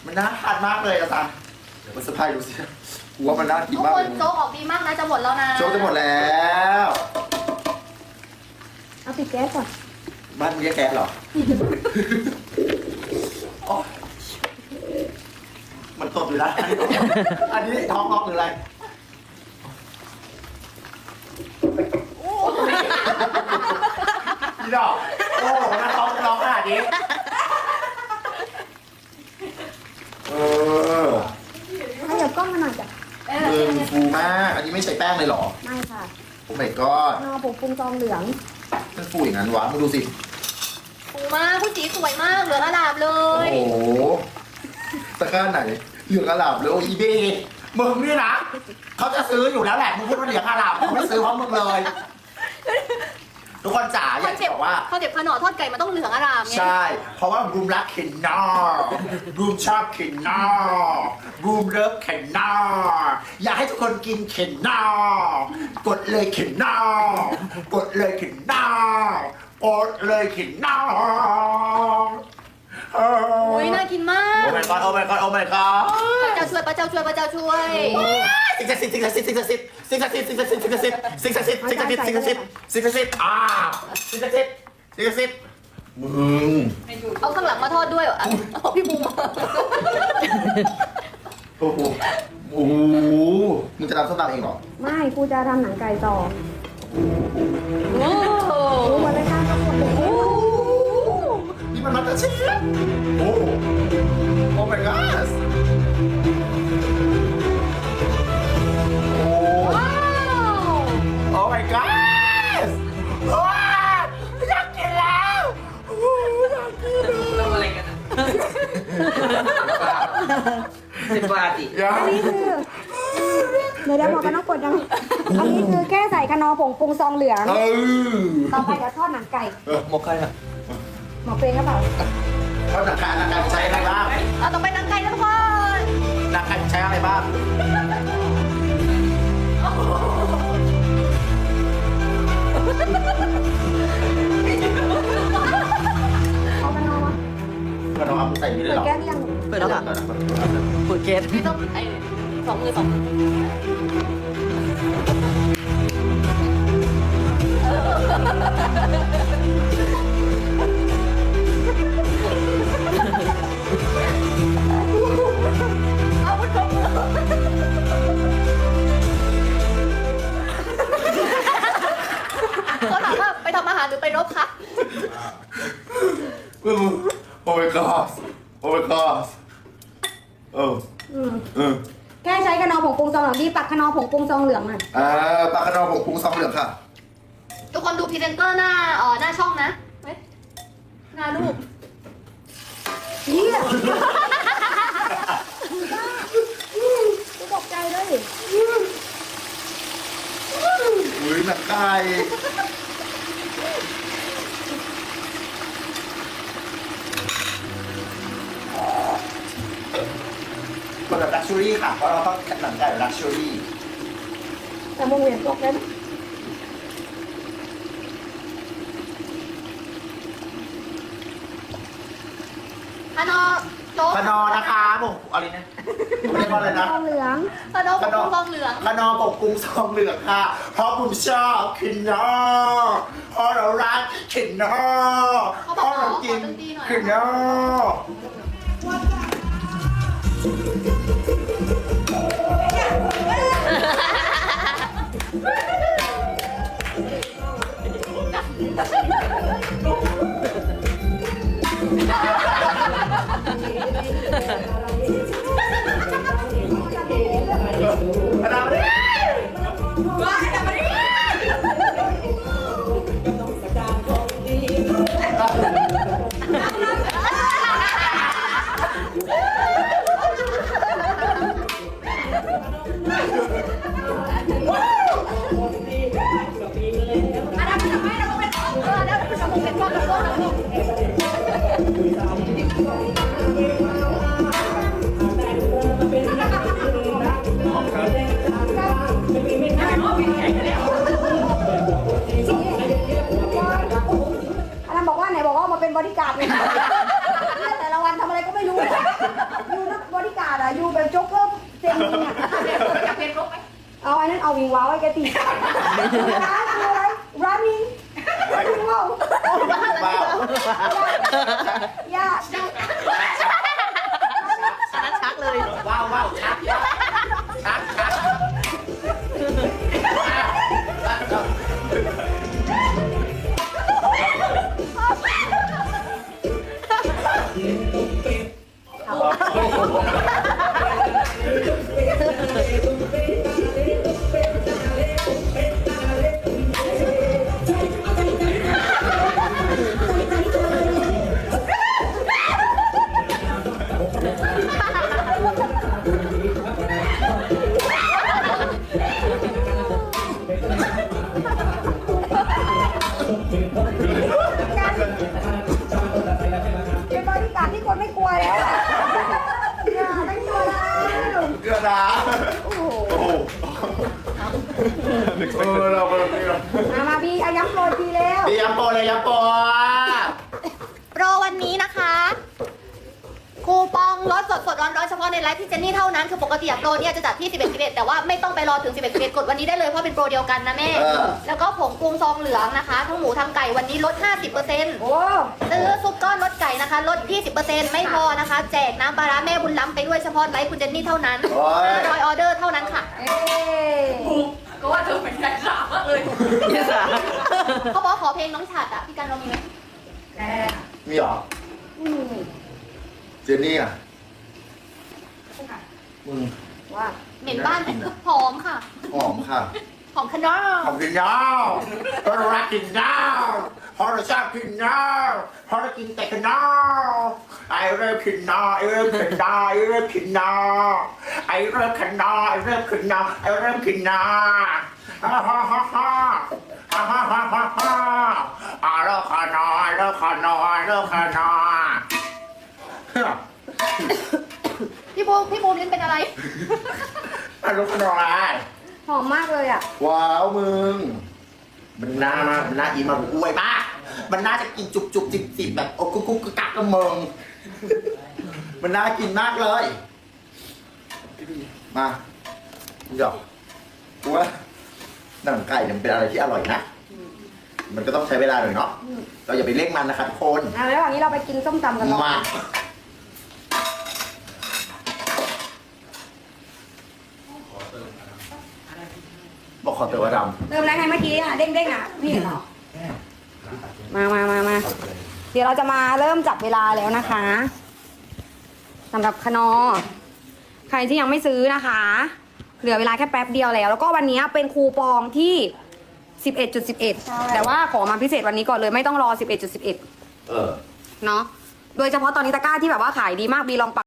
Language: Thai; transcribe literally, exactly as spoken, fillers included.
มันน่าทานมากเลยอาจารย์เดี๋ยวมันสะพายดูสิกูว่ามันน่ากินทุกมากคเลนยโจ๊กออกดีมากนะจะหมดแล้วนะโจ๊กจะหมดแล้วเอาปิดแก๊สก่อนบ้านมึงแยกแกะเหรอ โอ๊ยมันตบอยู่นะอันนี้ท้องร้องหรืออะไรพี่ดอกโอ้โหน้าท้องร้องขนาดนี้เออขยับกล้องมาหน่อยจ้ะเอมืออฟูมากอันนี้ไม่ใส่แป้งเลยเหรอไม่ค่ะโอ้ my god นอผงปรุงซองเหลืองมันฟูอย่างนั้นวะมึงดูสิปูมากผู้สีสวยมากเหลืองอลามเลโอ้ยโหตะกร้าไหนเหลืองอลามเลยโอ้อีเบมึงนี่นะเขาจะซื้ออยู่แล้วแหละมึงพูดว่าเหลืองอลามเขาไม่ซื้อเพราะมึงเลย ทุกคนจ๋าอากคอยนจะเซ็ปบต์อกว่าคอนเซ็ปต์ขนอทอดไก่มันต้องเหลืองอลามไงใช่ เพราะว่าบูมรักเคนนอร์บูมชอบเคนนอร์บูมเลิฟเคนนอร์อยากให้ทุกคนกินเคนนอร์กดเลยเคนนอร์กดเลยเคนนอร์กดเลยเคนนอร์โอ้อุ้ยน่ากินมาก my god โอ้ my god โอ้ my god พระเจ้าช่วยพระเจ้าช่วยพระเจ้าช่วยสิ่งศักดิ์สิทธิ์สิ่งศักดิ์สิทธิ์สิ่งศักดิ์สิทธิ์สิ่งศักดิ์สิทธิ์สิ่งศักดิ์สิทธิ์สิ่งศักดิ์สิทธิ์สิ่งศักดิ์สิทธิ์สิ่งศักดิ์สิทธิ์สิ่งศักดิ์สิทธิ์อ่าสิ่งศักดิ์สิทธิ์สิ่งศักดิ์สิทธิ์มึงเอาข้างหลังมาทอดด้วยเหรอเอาพี่บูมมาโอ้โหโอ้โหมึงจะทำส้มตำเองเหรอไม่กูจะทำหนังไก่ต่อโอ้โหรู้หมดเลยค่ะทั้งหมดเลยนี่มันมาตาเชฟโอ้โอ้ my god โอ้ว้าวโอ้ my god ว้าวอยากกินแล้วโอ้อยากกินแล้วทำอะไรกันอ่ะสิบบาทดิอยากอันนี้คือเดี๋ยวเดี๋ยวหมอกันต้องกดยังอันนี้คือแค่ใส่คะนอผงปรุงซองเหลืองเออต่อไปเดี๋ยวทอดหนังไก่เออหมกใครอ่ะหมอเปรย์ก็เปล่าเขาหนังไก่หนังไก่ใช้อะไรบ้างเอาต่อไปนังไก่นะทุกคนหนังไก่ใช้อะไรบ้างเอาคะนอมาก็ต้องเอาใส่นี่เลยเหรอเปิดแก๊สหรือยังเปิดแล้วค่ะเปิดเกตไม่ต้องไอ้สองมือสองมือ เอาพุทธมือเขาถามว่าไปทำอาหารหรือไปรบคะโอ้ my god โอ้ my god เอออืมเออแค่ใช้คะนอผงปรุงซองเหลืองดีปักคะนอผงปรุงซองเหลืองอ่ะอ่าปลากระดองผงปรุงซองเหลืองค่ะทุกคนดูพรีเซนเตอร์หน้าเอ่อหน้าช่องนะเฮ้ยหน้ารูปเฮียกูตกใจเลยอุ้ยหนังไก่คนแบบลักชัวรี่ค่ะ เพราะเราต้องหนังไก่ลักชัวรี่แต่มึงเหวียนตกได้ไหมฮานอโจ๊กขนอนะคะผมอะไรนะเรียกว่าอะไรนะซองเหลืองฮานอปกครองเหลืองขนอปกปรุงซองเหลืองค่ะ เพราะผมชอบขนอเพราะเรารักขนอเพราะเรากินขนอ ขนอเนี่ยอันนั้นทำไมเราเป็นเอออันนั้นเป็นเป็นพ่อกับพ่อนะลูกอันนั้นบอกว่าไหนบอกว่ามาเป็นบริการดไงเนี่ยแต่ละวันทำอะไรก็ไม่รู้อยู่นักเซียนยิงอ่ะอยากเป็นรกไหมเอาอันนั้นเอาวิงว้าวไอ้แกตีร้านคืออะไร running วิงว้าวว้าวยากอันนั้นชักเลยว้าวว้าวชักชักชักเป็นบริการที่คนไม่กลัวแล้วอะอย่าไม่กลัวแล้วเกลือดาโอ้โหโอ้โหเออเราเราเรามามาบีเอาย้ำโปรยทีแล้วเดี๋ยวโปรเลยยำโปรโปรวันนี้นะคะคูปองลดสดสดร้อนร้อนๆเฉพาะในไลฟ์พี่เจนนี่เท่านั้นคือปกติอะโปรเนี่ยจะจัดที่สิบเอ็ด สิบเอ็ดแต่ว่าไม่ต้องไปรอถึงสิบเอ็ด สิบเอ็ดกดวันนี้ได้เลยเพราะเป็นโปรเดียวกันนะแม่แล้วก็ผงปรุงซองเหลืองนะคะทั้งหมูทั้งไก่วันนี้ลด ห้าสิบเปอร์เซ็นต์โอ้ซื้อซุปก้อนลดไก่นะคะลด ยี่สิบเปอร์เซ็นต์ ไม่พอนะคะ แจกน้ำปลาร้าแม่บุญล้ำไปด้วยเฉพาะไลฟ์คุณเจนนี่เท่านั้นห้าร้อยออเดอร์เท่านั้นค่ะเอ้ยก็ว่าเธอเป็นใจสาวมากเลยยี่สาเขาบอกขอเพลงน้องฉัดอะพี่กันเรามีไหมมีเหรออืมเจนนี่อ่ะมึงว่าเหม็นบ้านหอมค่ะหอมค่ะหอมขนอหอมกินยาวเพราะเรารักกินยาวเพราะเราชอบกินยาวเพราะเรากินแต่ขนาวไอเริ่มกินนอไอเริ่มกินนอไอเริ่มกินนอไอเริ่มกินนอไอเริ่มกินนอไอเริ่มกินนอฮ่าฮ่าฮ่าฮ่าฮ่าฮ่าฮ่าฮ่าฮ่าอ่าเลิกขานอยเลิกขานอยเลิกขานอยพี่บูมพี่บูมนี่เป็นอะไรอ่ะเลิกขานอยหอมมากเลยอ่ะว้าวมึง มันน่ามากมันน่าอีมันอวยมาก มันน่าจะกินจุบจุบจิบจิบแบบโอ้กุ๊กกุ๊กกกักกระเมิง มันน่ากินมากเลย มาเดี๋ยวกูว่าหนังไก่เนี่ยมันเป็นอะไรที่อร่อยนะ มันก็ต้องใช้เวลาหน่อยเนาะ เราอย่าไปเร่งมันนะครับทุกคนอ่ะแล้ววันนี้เราไปกินส้มตำกันเนาะมา บอกขอเติมว่าดเติมอะไรให้เมื่อกี้อ่ะเด้งๆอ่ะพี่เห็นเหรอมามามามาเดี๋ยวเราจะมาเริ่มจับเวลาแล้วนะคะสำหรับคนอใครที่ยังไม่ซื้อนะคะ เหลือเวลาแค่แป๊บเดียวแล้ว แล้วก็วันนี้เป็นคูปองที่ สิบเอ็ดจุดสิบเอ็ด แต่ว่าขอมาพิเศษวันนี้ก่อนเลยไม่ต้องรอ สิบเอ็ดจุดสิบเอ็ดำเออเนาะโดยเฉพาะตอนนี้ตะกร้าที่แบบว่าขายดีมากบีลองปัก